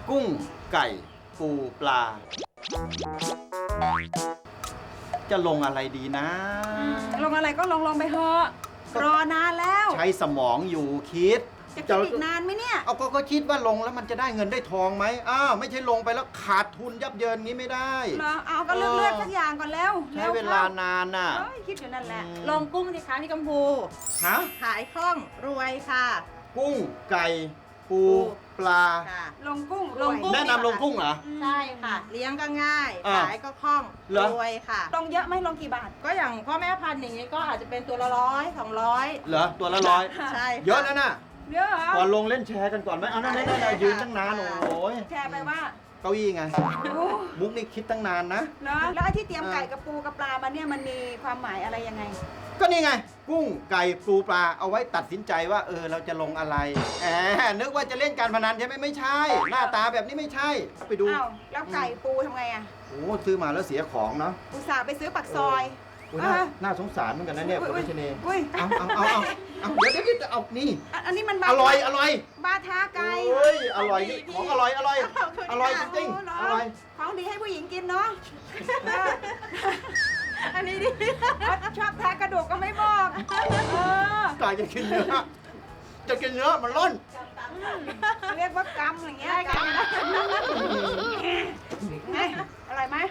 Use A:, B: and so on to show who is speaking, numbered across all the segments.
A: กุ้งไก่ปูปลา จะลงอะไรดีนะ
B: ลงอะไรก็ลงไปเถอะรอนานแล้ว
A: ใช้สมองอยู่คิด
B: จะคิดอีกนานไหมเนี่ย
A: เอาก็คิดว่าลงแล้วมันจะได้เงินได้ทองไหมไม่ใช่ลงไปแล้วขาดทุนยับเยินงี้ไม่ได้
B: เหรอเอาก็เลือกสักอย่างก่อนแล้ว
A: ใช้เวลานานน่ะ
B: เอ้ยคิดอยู่นั่นแหละ
C: ลงกุ้งสิคะพี่กัมพู
A: ฮะ
C: ขายคล่องรวยค่ะ
A: กุ้งไก่ปูปลา
C: ค่ะ
B: ลงกุ้ง
C: ลงกุ้ง
A: แนะนำลงกุ้งเหรอ
C: ใช่ค่ะ เลี้ยงก็ง่าย
A: อ่า
C: ขายก็คล่อง
A: เหรอ
C: รวยค่ะ
B: ลงเยอะไหมลงกี่บาท
C: ก็อย่างพ่อแม่พันธุ์อย่างนี้ก็อาจจะเป็นตัวละ100 200
A: เหรอตัวละร้อย
C: ใช่ค่
A: เยอะแล้วนะ
B: เยอะเหรอ
A: ก่อนลงเล่นแชร์กันก่อนไหมเอานั่นยืนตั้งนานโอ้ย
B: แชร์ไปว่า
A: เก้าอี้ไง
B: โอ้
A: มุกนี่คิดตั้งนานนะ
B: เนอะแล้วไอ้ที่เตรียมไก่กับปูกับปลามาเนี่ยมันมีความหมายอะไรยังไง
A: ก็นี่ไง กุ้งไก่ปูปลาเอาไว้ตัดสินใจว่าเราจะลงอะไรนึกว่าจะเล่นการพนันใช่ไหมไม่ใช่ หน้าตาแบบนี้ไม่ใช่ไปดู
B: อ้าวแล้วไก่ปูทำไงอ่ะ
A: โอ้ซื้อมาแล้วเสียของเนาะ
B: อุตส่าห์ไปซื้อปักซอย
A: โอ้ยน่าสงสารเหมือนกันนะเนี่ยคุณรัชนี
B: อุ้ย
A: เอาเดี๋ยวจะเอานี่
B: อันนี้มัน
A: อร่อย
B: บาทาไก่
A: เฮ้ยอร่อยนี่ของอร่อยอร่อยจริง
B: โเห
A: อร่อย
B: ของดีให้ผู้หญิงกินเนาะ
C: อันนี้ดิ
B: ชอบแทะกระดูกก็ไม่บอก
A: กายจะกินเนื้อมันร่อน
B: เรียกว่ากรรมอย่างเงี้ยกรรมนะไงอะไรไหม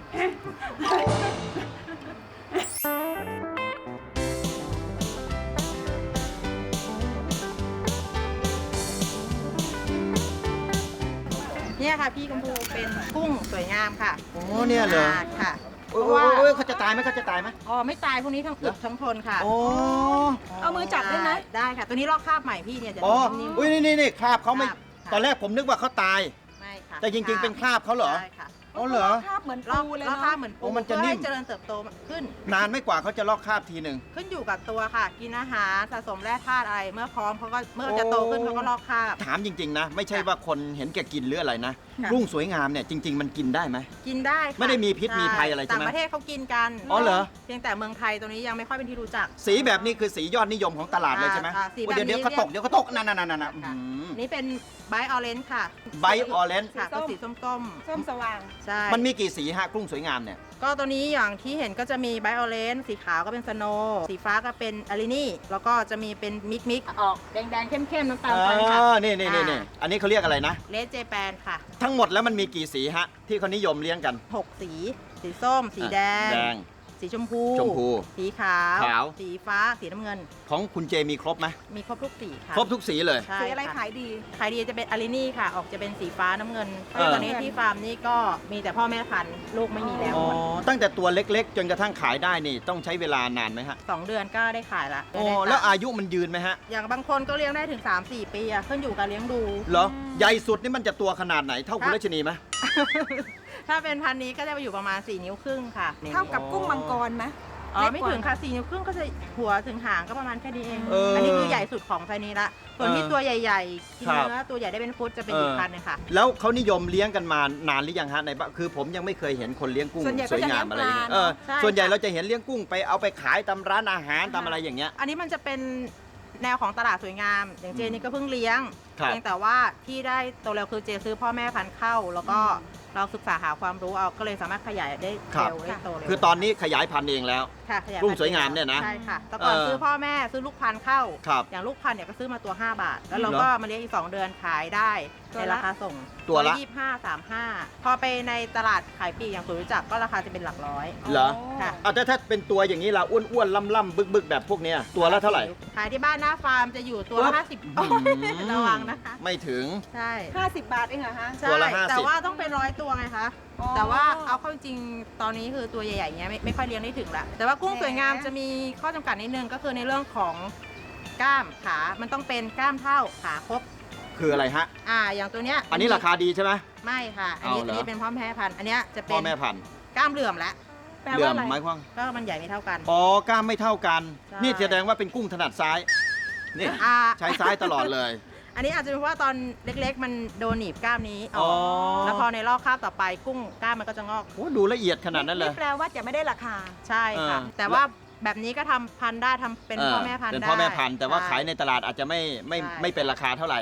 C: เนี่ยค่ะพี่กัมพูเป็นกุ้งสวยงามค่ะ
A: โอ้เนี่ยเหรอ
C: ค่ะ
A: โอ้ยเขาจะตายไหม
C: อ๋อไม่ตายพวกนี้ทั้งอึดทั้งทนค่ะ
A: โอ้
B: เอามือจับได้ไหม
C: ได้ค่ะ ตัวนี้ลอกคราบใหม่พี่เนี่ยจะ
A: อ๋อ
C: นิ่ม
A: อุ้ยนี่คราบเขาไม่
C: คราบ
A: ตอนแรกผมนึกว่าเขาตาย
C: ๆไม่ค่ะ
A: แต่จริงๆเป็นคราบเขาเหรอ
C: ใช่ค่ะ
A: อ๋อเหรอ
B: ภาพเหมือน
C: ลอก
B: ปูเลย
C: ลอก
B: เนาะ
C: คราบเหมือนปู
A: โอ้มันจะนิ่ม
C: เพื่อให้เจริญเติบโตขึ้น
A: นานไม่กว่าเขาจะลอกคราบทีหนึ่ง
C: ขึ้นอยู่กับตัวค่ะ กินอาหารสะสมแร่ธาตุอะไร เมื่อพร้อมเขาก็เมื่อจะโตขึ้นเขาก็ลอกคราบ
A: ถามจริงๆนะ ไม่ใช่ว่าคนเห็นแก่กินหรืออะไรนะ
C: ค่ะ
A: กุ้งสวยงามเนี่ยจริง ๆ มันกินได้ไหม
C: กินได้ค่ะ
A: ไม่ได้มีพิษ
C: ใช่
A: มีภัยอะไรใช่ไหม
C: ต่างประเทศเขากินกัน
A: อ๋อเหรอ
C: เพียงแต่เมืองไทยตัวนี้ยังไม่ค่อยเป็นที่รู้จัก
A: สีแบบนี้คือสียอดนิยมของตลาดเลยใช่ไหม
C: สี
A: โอ้
C: แบบนี้
A: เดี๋ยวเขาตกนั่น
C: ค่ะนี่เป็นไบออเรนจ์ค่ะ
A: ไบออเรนจ์
C: ค่ะก็สีส้ม
B: ส้มสว่าง
C: ๆใช่
A: มันมีกี่สีฮะกุ้งสวยงามเนี่ย
C: ก็ตัวนี้อย่างที่เห็นก็จะมีไบออเรนจ์สีขาวก็เป็นสโนว์สีฟ้าก็เป็นอารินี่แล้วก็จะมีเป็นมิกออกแดงๆเข้มๆน้ำตาลฟันค่ะ
A: นี่อันนี้เขาเรียกอะไรนะ
C: เลดเจแปนค่ะ
A: ทั้งหมดแล้วมันมีกี่สีฮะ ที่เขานิยมเลี้ยงกัน
C: 6 สี สีส้ม สีแดง
A: แดง
C: สีชมพู
A: ชมพู
C: สีขาว
A: ขาว
C: สีฟ้า สีน้ำเงิน
A: ของคุณเจมีครบไหม
C: มีครบทุกสีค่ะ
A: ครบทุกสีเลย
C: ใช่
B: สีอะไร
C: ค่ะ
B: ขายดี
C: ขายดีจะเป็นอารินี่ค่ะ ออกจะเป็นสีฟ้าน้ำเงิน
A: เออ
C: ตอนนี้ที่ฟาร์มนี่ก็มีแต่พ่อแม่พันธุ์ลูกไม่มีแล้ว
A: อ๋อ
C: หมด
A: ตั้งแต่ตัวเล็กๆ จนกระทั่งขายได้นี่ต้องใช้เวลานานไหมฮะ
C: 2 เดือนก็ได้ขายละ
A: โอ้
C: ได้ตังค์
A: แล้วอายุมันยืนไหมฮะ
C: อย่างบางคนก็เลี้ยงได้ถึง 3-4 ปีอะขึ้นอยู่กับเลี้ยงดู
A: เหรอ ใหญ่สุดนี่มันจะตัวขนาดไหนเท่าคุณรัชนีไหม
C: ถ้าเป็นพันธุ์นี้ก็จะไปอยู่ประมาณ 4 นิ้วครึ่งค่ะ
B: เท่ากับกุ้งมังกรไหม
C: อ๋อไม่ถึงค่ะ 4 นิ้วครึ่งก็จะหัวถึงหางก็ประมาณแค่นี้เอง
A: เอออั
C: อันนี้คือใหญ่สุดของไซนี้ละ ส่วนที่ตัวใหญ่ๆกิน
A: ครับ
C: เนื้อตัวใหญ่ได้เป็นฟุตจะเป็นอีกพันธุ์หนึงค่ะ
A: แล้วเขานิยมเลี้ยงกันมานานหรือยังฮะในบ้านคือผมยังไม่เคยเห็นคนเลี้ยงกุ้ง
B: ส่วนใหญ่
A: ส
B: ก็
A: วย
B: จะ
A: งา
B: เลี้ย
A: ม
B: ง
A: อะไร
B: ป
A: อย่า
B: ลาง
A: เงี้ย
B: เนาะ
C: ใช่
A: ส่วนใหญ่
C: ค่ะ
A: เราจะเห็นเลี้ยงกุ้งไปเอาไปขายตามร้านอาหารตามอะไรอย่างเงี้ย
C: อันนี้มันจะเป็นแนวของตลาดสวยงาม อย่างเจนี่ก็เพิ่งเลี้ยง
A: ครับ
C: เพียงแต่ว่าที่ได้โตเร็วคือเจซื้อพ่อแม่พันธุ์เข้า แล้วก็เราศึกษาหาความรู้เอาก็เลยสามารถขยายได้เร็วได้โตเร็ว
A: คือตอนนี้ขยายพันธุ์เองแล้ว
C: ค่ะขยาย
A: กุ้ง
C: พันธุ์
A: สวยงามเนี่ยนะ
C: ใช่ค่ะแต่ก่อน ซื้อพ่อแม่ซื้อลูกพันธุ์เข้า
A: ครับ
C: อย่างลูกพันธุ์เนี่ยก็ซื้อมาตัว 5 บาท แล้วเรา
A: เหรอ
C: ก็มาเลี้ยงอีก 2 เดือนขายได้
B: ตัว
C: ใน
B: ละ
C: ราคาส่ง
A: ตัวละ
C: 25-35 พอไปในตลาดขายปลีกอย่างสุรู้จักก็ราคาจะเป็นหลักร้อย
A: เหรอ
C: ค่ะ
A: เอาถ้าเป็นตัวอย่างนี้เราอ้วนๆล่ำๆบึกๆแบบพวกเนี้ยตัวละเท่าไหร่
C: ขายที่บ้านหน้าฟาร์มจะอยู่ตัวละ50
A: อืม
C: ระวังนะคะ
A: ไม่ถึง
C: ใช่
B: 50 บาทเองเหรอฮะ
C: ใช่
A: ตัวละ50
C: แต่ว่าต้องเป็น100 ตัวไงคะ
B: อ๋อ
C: แต่ว่าเอาเข้าจริงตอนนี้คือตัวใหญ่ๆเงี้ยไม่ค่อยเลี้ยงได้ถึงละแต่ว่ากุ้ง
B: แหม
C: สวยงามจะมีข้อจำกัดนิดนึงก็คือในเรื่องของกล้ามขา มันต้องเป็นกล้ามเท่าขาครบ
A: คืออะไรฮะ
C: อย่างตัวเนี้ย
A: อันนี้ราคาดีใช่ไหม
C: ไม่ค่ะ อันนี้
A: เอาเหรอ
C: เป็นพ่อแม่พันธุ์ อันเนี้ยจะเป็
A: พ่อน แม่พันธุ์
C: กล้ามเหลื่อมแล้ว
B: แปล
A: เหลื่
B: ว่า
A: อม
B: อะไร
A: หมายความ
C: ก็มันใหญ่ไม่เท่ากัน
A: อ๋อกล้ามไม่เท่ากัน
C: ใช่
A: นี่แสดงว่าเป็นกุ้งถนัดซ้าย นี่
C: อ่า
A: ใช้ซ้ายตลอดเลย
C: อันนี้อาจจะเป็นเพราะว่าตอนเล็กๆ มันโดนหนีบกล้ามนี้อ
A: อ๋
C: อ
A: อ
C: กแล้วพอในรอบคาบต่อไปกุ้งกล้ามมันก็จะงอก
A: โอ้ดูละเอียดขนาดนั้นเลย
B: แปลว่าจะไม่ได้ราคา
C: ใช่ค่ะ แต่ว่าแบบนี้ก็ทำพันธุ์ได้ทำเป็นพ่อแม่พันธุ์
A: เป็น
C: ได้
A: พ่อแม่พันธุ์แต่ว่า
C: ใช่
A: ขายในตลาดอาจจะไม่
C: ใช่
A: ไม่เป็นราคาเท่าไหร่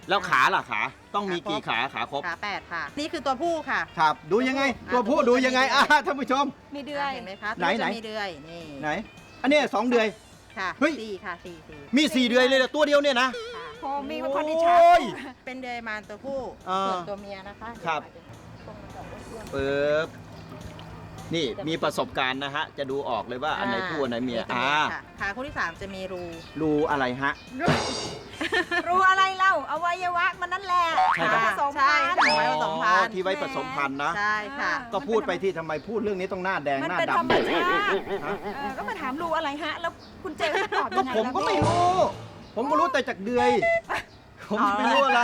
A: แล้วขาล่ะขาต้องมีกี่ขาครบ
C: ขา8ค่ะนี่คือตัวผู้ค่ะ
A: ครับ ดูยังไง ตัวผู้ดูยังไงท่านผู้ชม
B: มีเดือย
C: เห็นไหมคะ
A: ไหน
C: ตัวจะมีเดือยนี่
A: ไหน อันนี้2 เดือย
C: ค่ะ
A: เฮ้ย
C: สี่ค่ะสี่
A: มี 4 เดือยเลยเหรอตัวเดียวเนี่ยนะ
C: ค่ะ
B: โคมีมาพอดีชั
A: โอ้ย
C: เป็นเดือยมารตัวผู้
A: อ่า
C: ส่วนตัวเมียนะคะ
A: ครับ ปึ๊บนี่มีประสบการณ์นะฮะ จะดูออกเลยว่าอันไหนผู้อันไหนเมีย
C: ตัวค่ะขาคู่ที่ 3 จะมีรู
A: รูอะไรฮะ
B: รู้อะไรเล่าอวัยวะมันนั่นแหละ
A: ใช่ครับ
B: ผสม
C: ใช่
B: พัน
C: ค่ะ
B: ธุ์
C: ไว้ผสมพันธุ์
A: ที่ไว้ผสมพันธุ์นะ
C: ใช่ค่ะ
A: ก็พูดไปที่ทำไมพูดเรื่องนี้ต้องหน้าแดง
B: มัน
A: หน้า
B: เป็นธรรม
A: ดำ
B: ชาติ
A: ฮะ
B: ก็มาถามรู้อะไรฮะ แล้วคุณเจก็ตอบ
A: ก็
B: ยังไง
A: ผมก็ไม่รู้ ผมก็รู้แต่จากเดือย ผมไม่รู้อะไร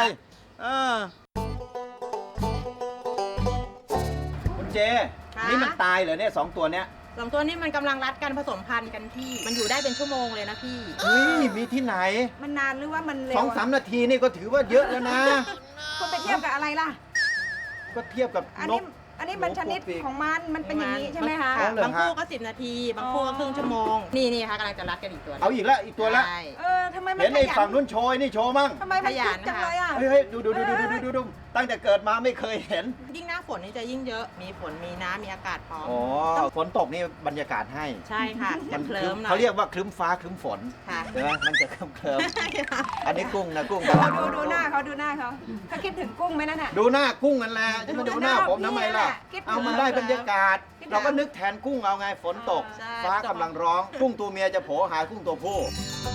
A: คุณเจ
C: ค่ะ
A: นี่มันตายเหรอเนี่ย2 ตัวเนี้ย
C: 2 ตัวนี้มันกำลังรัดกันผสมพันธุ์กันพี่ มันอยู่ได้เป็นชั่วโมงเลยนะพี่
A: เฮ้ยมีที่ไหน
B: มันนานหรือว่ามันเร็ว
A: 2-3 นาทีนี่ก็ถือว่าเยอะแล้วนะ
B: คุณไปเทียบกับอะไรล่ะ
A: ก็เทียบกับ
B: อัน
A: น
B: นี้
A: ก
B: อันนี้มันชนิดของมันเป็นอย่างนี้ใช่ไหมคะ
A: อ๋อเหรอ
C: บางคู่ก็10 นาที บางคู่ก็ครึ่งชั่วโมง นี่ค่ะกำลังจะรัดกันอีกตัว
A: เอาอีกแล้วอีกตัวละ
C: ใช่
B: ทำไมมัน
A: เห็น
B: ข
A: ไอ้
B: ยั
A: ฝั่งนู้นโชยนี่โชว์มั่ง
B: ทำไมมันคึกจังเลยอ่ะ
A: เฮ้ยดูตั้งแต่เกิดมาไม่เคยเห็น
C: ยิ่งหน้าฝนนี่จะยิ่งเยอะ มีฝน มีน้ำมีอากาศพร้อม
A: อ๋อฝนตกนี่บรรยากาศให้
C: ใช่ค่ะจะเคลิ้มหน่อย
A: เขาเรียกว่าครึ้มฟ้าครึ้มฝน
C: ค่ะ
A: ใช่ไหมมันจะเคลิ้มอันนี้กุ้งนะกุ้ง
B: ดูหน้าเขาเขาคิดถึงกุ้งไหมนั่นน่ะ
A: ดูหน้ากุ้งกันแหละจะมาดูหน้าผมทำไมล่ะ
B: คิดถึง
A: เอามันได้บรรยากาศ
B: คิดถึง
A: เราก็นึกแทนกุ้งเอาไงฝนตก
C: ใช่
A: ฟ้ากำลังร้อง กุ้งตัวเมียจะโผล่หากุ้งตัวผู้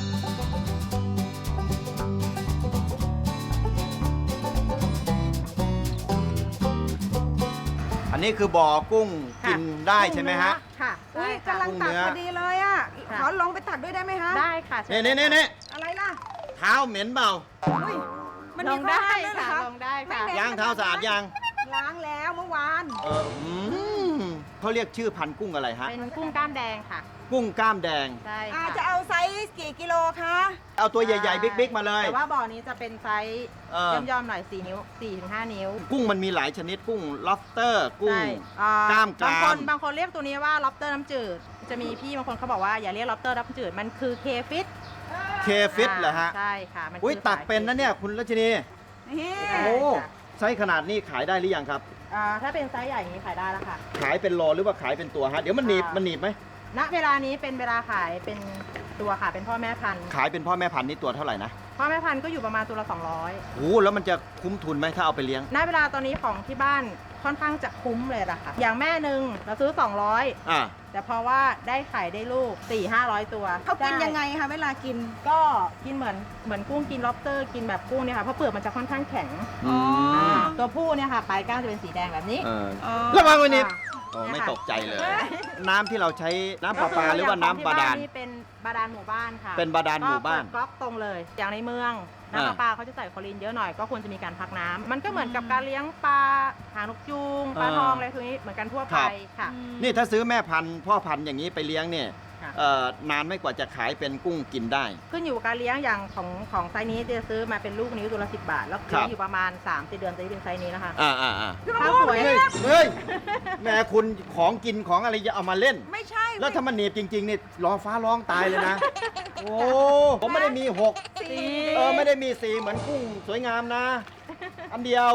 A: อันนี้คือบ่อกุ้งกินได้ใช่ไหมฮะ
C: ค่ะ
B: อุ้ย
C: ใช่ค่ะ
B: กำลังตักพอดีเลยอ่ะ
C: ค่ะ
B: ขอลงไปตักด้วยได้ไหมคะ
C: ได้ค่ะ
A: นี่
B: อะไรล่ะ
A: เท้าเหม็นเปล่า
B: อุ้ยมัน
C: ล
B: มี
C: ง
B: ข้อ
C: ได้
B: ห้ามด้วยเหรอ
C: ค่ะ
B: คะ
C: ลงได้ค่ะ
B: ไม่
A: ย่างเท้าสะอาดยัง
B: ล้างแล้วเมื่อวาน
A: เขาเรียกชื่อพันธุ์กุ้งอะไรฮะ
C: เป็นกุ้งกล้ามแดงค่ะ
A: กุ้งกล้ามแดง
C: ใช่
B: อา
C: ค่ะ
B: จะเอาไซส์กี่กิโลคะ
A: เอาตัวใหญ่ๆบิ๊กๆมาเลย
C: แต่ว่าบ่อนี้จะเป็นไซส์
A: เออ
C: ย่อมๆหน่อย4 นิ้ว 4-5 นิ้ว
A: กุ้งมันมีหลายชนิดกุ้ง lobster กุ้ง
C: ใช่อ่าก
A: ล้ามกราม
C: บางคนเรียกตัวนี้ว่า lobster น้ำจืด จะมีพี่บางคนเขาบอกว่าอย่าเรียก lobster น้ำจืด มันคือ K fish
A: เคฟิตเหรอฮะ
C: ใช่ค่ะ มัน
A: อุ้ย
C: คือ
A: ตักเป็นนะเนี่ยคุณรัชนี
B: นี่
A: โอ้ไซส์ขนาดนี้ขายได้หรือยังครับ
C: ถ้าเป็นไซส์ใหญ่อย่างนี้ขายได้แล้วค่ะ
A: ขายเป็นโลหรือว่าขายเป็นตัวฮะ เดี๋ยวมันหนีบไหม
C: ณเวลานี้เป็นเวลาขายเป็นตัวค่ะ เป็นพ่อแม่พันธุ์
A: ขายเป็นพ่อแม่พันธุ์นี่ตัวเท่าไหร่นะ
C: พ่อแม่พันธุ์ก็อยู่ประมาณตัวละ
A: โอ้แล้วมันจะคุ้มทุนไหมถ้าเอาไปเลี้ยง
C: 200ณเวลาตอนนี้ของที่บ้านค่อนข้างจะคุ้มเลยล่ะค่ะ อย่างแม่หนึ่งเราซื้อ 200
A: อ่า
C: แต่เพราะว่าได้ไข่ได้ลูก 400-500 ตัว
B: เขากิน
C: ด้
B: ยังไงคะเวลากิน
C: ก็กินเหมือนกุ้งกิน lobster กินแบบกุ้งเนี่ยค่ะ เพราะเปลือกมันจะค่อนข้างแข็ง
B: อ๋อ
C: ตัวผู้เนี่ยค่ะปลายก้างจะเป็นสีแดงแบบนี้
B: อ๋อ
A: ระวังไว้นิด
C: ค่ะ
A: โอ้ไม่
C: เนี่ยค่ะ
A: ตกใจเลย น้ำที่เราใช้น้ำประปาหรือว่าน้ำบาดาล
C: นี่เป็นบาดาลหมู่บ้านค่ะ
A: เป็นบาดาลหมู่บ้าน
C: ก็เปิดก๊อกตรงเลย อย่างในเมืองน้ำประปาเขาจะใส่คลอรีนเยอะหน่อยก็ควรจะมีการพักน้ำมันก็เหมือนกับการเลี้ยงปลาหางนกยูงปลาทองอะไรพวกนี้เหมือนกันทั่วไปค่ะ
A: นี่ถ้าซื้อแม่พันธุ์พ่อพันธุ์อย่างนี้ไปเลี้ยงเนี่ย
C: ค่ะ
A: นานไม่กว่าจะขายเป็นกุ้งกินได้
C: ขึ้นอยู่กับการเลี้ยงอย่างของไซส์นี้จะซื้อมาเป็นลูกนิ้วตัวละ10 บาท แล้ว
A: ครั
C: เลี้ย
A: บ
C: งอยู่ประมาณ3-4 เดือนจะได้เป็นไซส์นี้นะคะ
A: อ่า
C: ข้าวสวย
A: เฮ้ยแม่คุณของกินของอะไรจะเอามาเล่น
B: ไม่ใช่
A: แล้วถ้ามันหนีบจริงๆนี่ร้องฟ้าร้องตายเลยนะ โอ้ผมไม่ได้มีหก
B: สี
A: ไม่ได้มีสีเหมือนกุ้งสวยงามนะ อันเดียว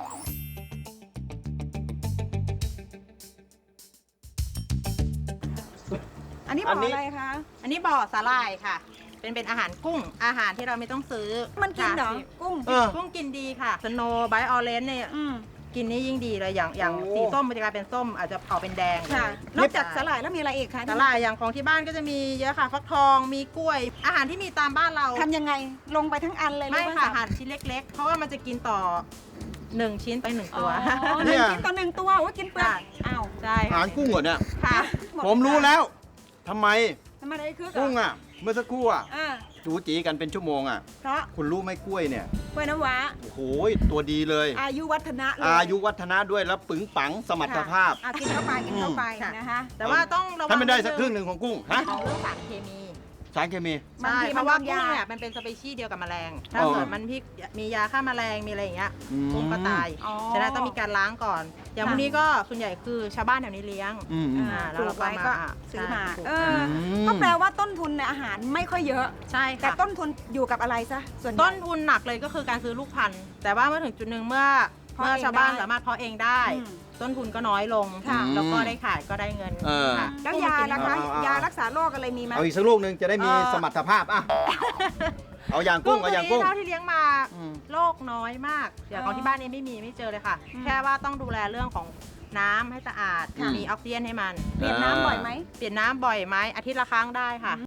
B: อันนี้บอกอะไรคะ
C: อันนี้บ่อสาหร่ายค่ะ เป็นอาหารกุ้งอาหารที่เราไม่ต้องซื้อ
B: มันกินเหรอ
C: ค่ะ
B: กุ้ง
A: เออ
C: กุ้งกินดีค่ะสโนว์ไบออเรนเนี่ย
B: อืม
C: กินนี่ยิ่งดีเลยอย่าง
A: โอ้
C: สีส้มมันจะกลายเป็นส้มอาจจะเผาเป็นแดง
B: ค่ะ
C: เลย
B: นอกจากสลายแล้วมีอะไรอีกคะ
C: สาหร่ายอย่างของที่บ้านก็จะมีเยอะค่ะฟักทองมีกล้วย อาหารที่มีตามบ้านเรา
B: ทำยังไงลงไปทั้งอันเลยหรื
C: ไม่
B: อว่า
C: ค่ะหั่นชิ้นเล็ก ๆ เพราะว่ามันจะกินต่อ1 ชิ้นไป1
B: อ๋
C: ตั
B: อ
C: ว
B: หนึ่งชิ้นต่อหนึ่งตัวโอ้ยกินเปลือก
C: ค่ะ
B: อ้าว
C: ใช่
A: อาหารกุ้งเหรอเนี่ย
C: ค่ะ
B: หด
A: ผมรู้แล้วทำไม
B: ทำไมได้คือ
A: กุ้งอ่ะ เมื่อสักครู่อ่ะ
B: อ่า
A: จูจีกันเป็นชั่วโมงอ่ะ
B: เพราะ
A: คุณรู้ไหมกล้วยเนี่ย
B: กล้วยน้ำว้า
A: โอ้โหตัวดีเลย
B: อายุวัฒนะเลย
A: อายุวัฒนะด้วยแล้วปึงปังสมรรถภาพ
B: อ่ะกินเข้าไปกินเข้าไปนะคะ
C: แต่ว่าต้องระวัง
A: ถ้าไม่ได้สักครึ่งหนึ่งของกุ้งฮะ
C: ของเรื่องสารเคมี
A: สสารเคมี
B: บาง
C: ใช่
B: ที
C: เพ
B: มัน
C: ราะว่า
B: โดน
C: กุ้ง
B: ยา
C: เนี่ยมันเป็นสเปชีส์เดียวกับแมลง ถ้า
A: อ๋อ
C: เกิดมันมียาฆ่าแมลงมีอะไรอย่างเงี้ย
A: อืม
C: กุ้งก็ตาย
B: อ๋อ
C: ฉะนั้นต้องมีการล้างก่อน อย่างพวกนี้ก็ส่วนใหญ่คือชาวบ้านแถวนี้เลี้ยง
A: อืม
C: แล้วเรา
B: ปลูกไว้ก็
C: มา
B: ซื้อมา
C: ใช่
B: ก็แปลว่าต้นทุนในอาหารไม่ค่อยเยอะ
C: ใช่
B: แต่
C: ค่ะ
B: ต้นทุนอยู่กับอะไรซะส่วนใหญ่
C: ต้นทุนหนักเลยก็คือการซื้อลูกพันธุ์แต่ว่าเมื่อถึงจุดหนึ่งเมื่อ
B: เพาะเอง
C: ชาวบ้าน
B: ได้
C: สามารถเพาะเองได้
B: อืม
C: ต้นทุนก็น้อยลง
B: ค่ะ
C: แล้วก็ได้ขายก็ได้เงิน
A: เออ
C: ค่ะ
B: แล้วยานะคะ
A: เอา
B: ยารักษาโรคอะไรมีไหม
A: เอาอีกสักลูกหนึ่งจะได้มีสมรรถภาพอ่ะเอาอย่างกุ้งเอาอย่างกุ้ง
C: เท่าที่เลี้ยงมา
A: อืม
C: โรคน้อยมากอย่างของที่บ้านนี้ไม่เจอเลยค่ะ
B: อืม
C: แค่ว่าต้องดูแลเรื่องของน้ำให้สะอาด
A: ค่ะ
C: มีออกซิเจนให้มัน
B: เปลี่ยนน้ำบ่อยไหม
C: เปลี่ยนน้ำบ่อยไหมอาทิตย์ละครั้งได้ค่ะ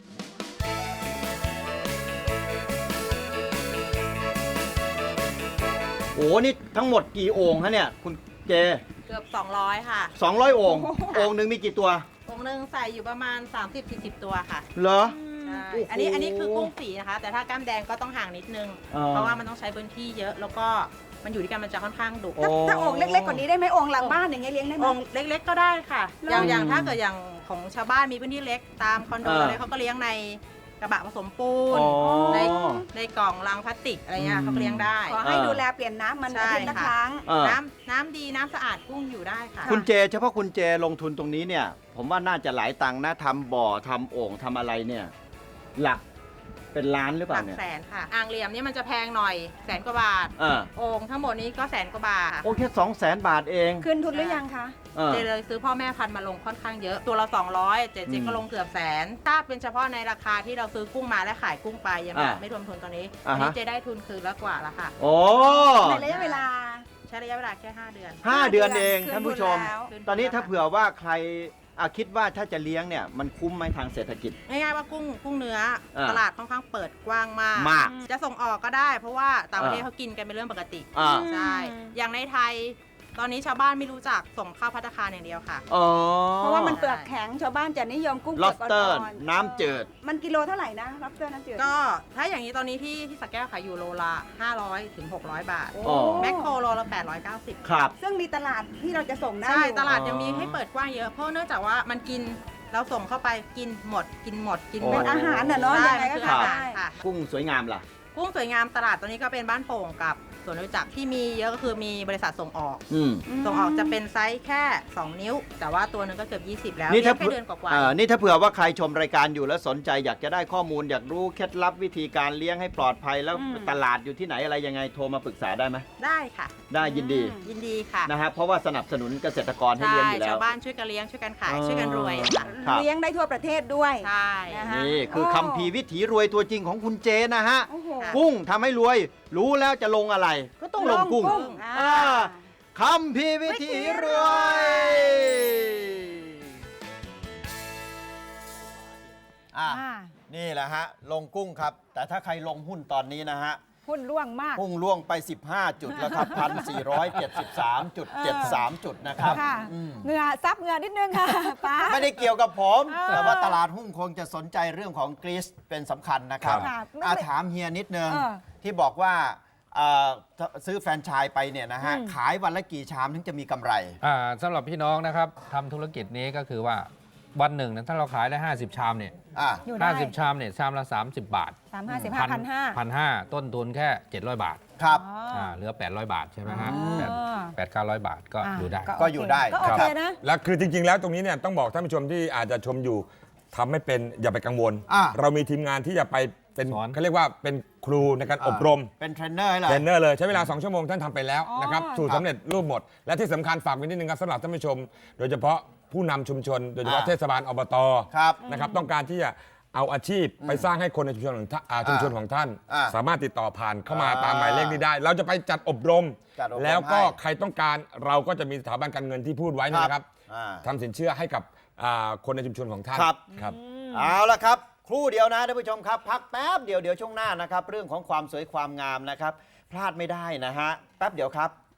A: โอ้นี่ทั้งหมดกี่โอ่งฮะเนี่ยคุณเจ
C: เกือบ 200 ค่ะ
A: 200โอ่งโอ่งหนึ่งมีกี่ตัว
C: องค์หนึ่งใส่อยู่ประมาณ 30-40 ตัวค่ะ
A: เหรอ
C: ใช่
A: โอ้โห
C: อันนี้คือกุ้งสีนะคะ แต่ถ้ากล้ามแดงก็ต้องห่างนิดนึง
A: อ่า
C: เพราะว่ามันต้องใช้พื้นที่เยอะ แล้วก็มันอยู่ด้วยกันมันจะค่อนข้างดุ
A: โอ้
B: ถ้าโอ่งเล็กๆกว่านี้ได้ไหมโอ่งหลังบ้านอย่างเงี้ยเลี้ยงได้ไหม
C: องค์เล็กๆก็ได้ค่ะ
B: เหรอ
C: อย่างถ้าเกิดอย่างของชาวบ้านมีพื้นที่เล็กตามคอนโด
A: เออ
C: อะไรเขาก็เลี้ยงในกระบะผสมปูน
A: อ๋อ
C: ในกล่องลังพลาสติกอะไรเงี้ยเขาก็เลี้ยงได้
B: ขอให้ดูแลเปลี่ยนน้ำมันอา
C: ใช่
B: ทิตย์ละ
C: ค่ะ
B: ครั้ง
A: เออ
C: น้ำดีน้ำสะอาดกุ้งอยู่ได้ค่ะ
A: คุณเจเฉพาะคุณเจลงทุนตรงนี้เนี่ย ผมว่าน่าจะหลายตังค์นะทำบ่อทำโอ่งทำอะไรเนี่ย หลักเป็นล้านหรือเป
C: ห
A: ล่า
C: ลัก
A: เนี่ย
C: แสนค่ะ อ่างเหลี่ยมนี่มันจะแพงหน่อย100,000 กว่าบาท
A: เออ
C: โอ่งทั้งหมดนี้ก็100,000 กว่าบาท
A: โอเค200,000 บาทเอง
B: คืนทุนหรือยังคะ
A: เออ
C: เจเลยซื้อพ่อแม่พันธุ์มาลงค่อนข้างเยอะ ตัวละ200เจก็ลงเกือบ100,000ถ้าเป็นเฉพาะในราคาที่เราซื้อกุ้งมาและขายกุ้งไปยังไม่รวมทุนตอนนี้
A: อ่า
C: อัน
A: ฮะ
C: นี้เจได้ทุนคืนแล้วกว่าแล้วค่ะ
A: โอ้
B: ในระยะเวลา
C: ใช้ระยะเวลาแค่5 เดือน
A: 5 เดือนเอง
B: คืน
A: ท่านผู้ชม
B: ทุนแล้ว
A: ตอนนี้ถ้าเผื่อว่าใครคิดว่าถ้าจะเลี้ยงเนี่ยมันคุ้มไหมทางเศรษฐกิจ
C: ง่ายๆว่ากุ้งเนื้อ
A: อ่า
C: ตลาดค่อนข้างเปิดกว้างมาก
A: มาก
C: จะส่งออกก็ได้ เพราะว่าต่างประเทศ
A: อ่า
C: เขากินกันเป็นเรื่องปกติ
A: อ่า
C: ใช่ อย่างในไทย ตอนนี้ชาวบ้านไม่รู้จักส่งเข้าภัตตาคารอย่างเดียวค่ะ
A: อ๋อ
B: เพราะว่ามันเปลือกแข็งชาวบ้านจะนิยมกุ้งเปลือก
A: lobster
B: อ่อนๆ
A: น้ำจืด
B: มันกิโลเท่าไหร่นะ lobster น้ำจืด
C: ก็ถ้าอย่างนี้ตอนนี้ที่สระแก้วขายอยู่โลละ500 ถึง 600 บาท
A: อ๋อ
C: แมคโครโลละ890
A: ครับ
B: ซึ่งมีตลาดที่เราจะส่งได้
C: ใช่
B: อยู่
C: ตลาดยังมีให้เปิดกว้างเยอะ เพราะเนื่องจากว่ามันกินเราส่งเข้าไปกินหมด กินหมด กินหม
B: เป็
C: ด
B: นอาหารน่ะเนาะ
C: ใช่
B: ยังไง
C: มัน
B: ก็
C: คือ
B: ทา
C: อาน หาร
B: ได้
C: ค่ะ
A: กุ้งสวยงามล่ะ
C: กุ้งสวยงามตลาดตอนนี้ก็เป็นบ้านโป่งกับสวนรู้จักที่มีเยอะก็คือมีบริษัทส่งออก
A: อืม
C: ส่งออกจะเป็นไซส์แค่ 2 นิ้ว แต่ว่าตัวหนึงก็เกือบ20 แล้ว
A: นี่ถ้า
C: เลี้ยงแค่เดือนกว่า
A: นี่ถ้าเผื่อว่าใครชมรายการอยู่แล้วสนใจอยากจะได้ข้อมูลอยากรู้เคล็ดลับวิธีการเลี้ยงให้ปลอดภัยแล้ว
B: อืม
A: ตลาดอยู่ที่ไหนอะไรยังไงโทรมาปรึกษาได้ไหม
C: ๆได้ค่ะ
A: ได้ยินดี
C: ยินดีค่ะ
A: นะฮะเพราะว่าสนับสนุนเกษตรกรให้
C: ใช่
A: เลี้ยงอยู่แล้
C: ชาว วบ้านช่วยกันเลี้ยงช่วยกันขายช่วยกันรวยค่ะ
A: ครับ
B: เลี้ยงได้ทั่วประเทศด้วย
C: ใช่
B: นะคะ
A: นี่คือคัมภีร์วิถีรวยตัวจริงของคุณเจนะฮะ
B: โอ้โห
A: กุ้งทำให้รวย รู้แล้วจะลงอะไร ก็ต้องลงกุ้ง
B: อ่า
A: คัมภีร์วิถีรวยอ่ะ
B: อ่า
A: นี่แหละฮะ ลงกุ้งครับ แต่ถ้าใครลงหุ้นตอนนี้นะฮะ
B: หุ้นร่วงมาก
A: พุ่งล่วงไป 15 จุดแล้วครับ 1,473.73 จุดนะครับ
B: ค่ะ
A: อืม
B: เหงื่อซับเหงื่อนิดนึงค่ะป้า
A: ไม่ได้เกี่ยวกับผม
B: เออ
A: แต่ว่าตลาดหุ้นคงจะสนใจเรื่องของกรีซเป็นสำคัญนะครับ
B: ค่ะไม่
A: ถามเฮียนิดนึง
B: เออ
A: ที่บอกว่าซื้อแฟรนไชส์ไปเนี่ยนะฮะ
B: อืม
A: ขายวันละกี่ชามถึงจะมีกำไร
D: สำหรับพี่น้องนะครับทำธุรกิจนี้ก็คือว่าวันหนึ่งนะถ้าเราขายได้ 50 ชามเนี่ย
A: อ่ะ
B: อยู่ได้
D: 50 ชามเนี่ยชามละ 30 บาท
B: 355,500
D: ต้นทุนแค่ 700 บาท
A: ครับ
D: เหลือ 800 บาทใช่ไหมฮะ
B: อ๋อ
D: 800-900 บาทก็อยู่ได้
A: ก็อยู่ได้
B: ก็โอเคนะ
E: แล้วคือจริง ๆ แล้วตรงนี้เนี่ยต้องบอกท่านผู้ชมที่อาจจะชมอยู่ทำไม่เป็นอย่าไปกังวล
A: อ่ะ
E: เรามีทีมงานที่จะไปเป็น
D: สอน
E: เขาเรียกว่าเป็นครูในการอบรม
A: เป็นเทรนเนอร์ให้เลย
E: เทรนเนอร์เลยใช้เวลา 2 ชั่วโมงท่านทำไปแล้ว
B: อ๋อ
E: นะครับสูตรสำเร็จรูปหมด และที่สำคัญฝากไว้นิดนึงครับสำหรับท่านผู้ชม โดยเฉพาะผู้นำชุมชน โดยเฉพาะ
A: อ่า
E: เทศบาลอบต
A: ครับ
E: นะครับต้องการที่จะเอาอาชีพไปสร้างให้คนในชุมชนของท่านชุมชนของท่าน
A: อ่า
E: สามารถติดต่อผ่านเข้ามา
A: อ่า
E: ตามหมายเลขนี้ได้ เราจะไปจัดอบรม
A: จัดอบรม
E: แล้วก็
A: ให้
E: ใครต้องการเราก็จะมีสถาบันการเงินที่พูดไว้นี่นะครับ
A: อ่า
E: ทำสินเชื่อให้กับคนในชุมชนของท่าน
A: ครับ
E: ครับ
A: เอาละครับ ครู่เดียวนะท่านผู้ชมครับ พักแป๊บเดียวช่วงหน้านะครับ เรื่องของความสวยความงามนะครับ พลาดไม่ได้นะฮะ แป๊บเดียวครับ